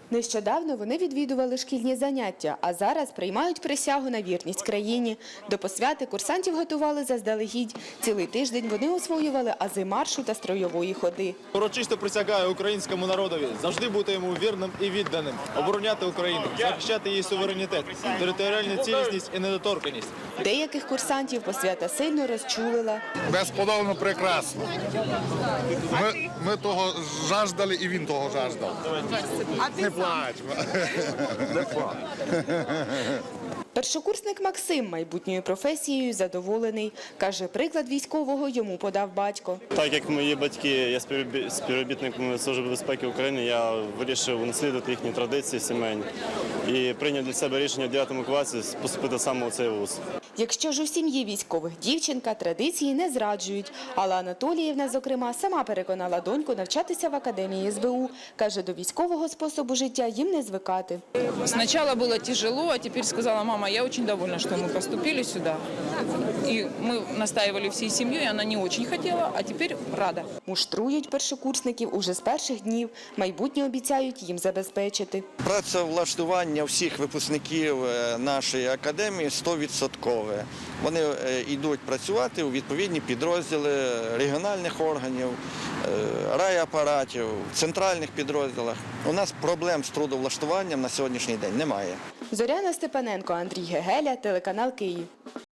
Нещодавно вони відвідували шкільні заняття, а зараз приймають присягу на вірність країні. До посвяти курсантів готували заздалегідь. Цілий тиждень вони освоювали ази маршу та стройової ходи. Урочисто присягаю українському народові завжди бути йому вірним і відданим, обороняти Україну, захищати її суверенітет, територіальну цілісність і недоторканність. Деяких курсантів посвята сильно розчулила. Безподобно прекрасно. Ми того жаждали і він того жаждав. Не плач. Не плач. Першокурсник Максим майбутньою професією задоволений. Каже, приклад військового йому подав батько. Так як мої батьки є співробітниками Служби безпеки України, я вирішив унаслідувати їхні традиції сімейні і прийняв для себе рішення в 9 класі поступити саме у цей вуз. Якщо ж у сім'ї військових дівчинка, традиції не зраджують. Алла Анатоліївна, зокрема, сама переконала доньку навчатися в академії СБУ. Каже, до військового способу життя їм не звикати. Сначала было тяжело, а теперь сказала мама, я очень довольна, что мы поступили сюда. И мы настаивали всей семьей, она не очень хотела, а теперь рада. Муштрують першокурсників уже з перших днів. Майбутнє обіцяють їм забезпечити. Працевлаштування всіх випускників нашої академії 100%. Вони йдуть працювати у відповідні підрозділи регіональних органів, райапаратів, центральних підрозділах. У нас проблем з трудовлаштуванням на сьогоднішній день немає. Зоряна Степаненко, Андрій Гегеля, телеканал Київ.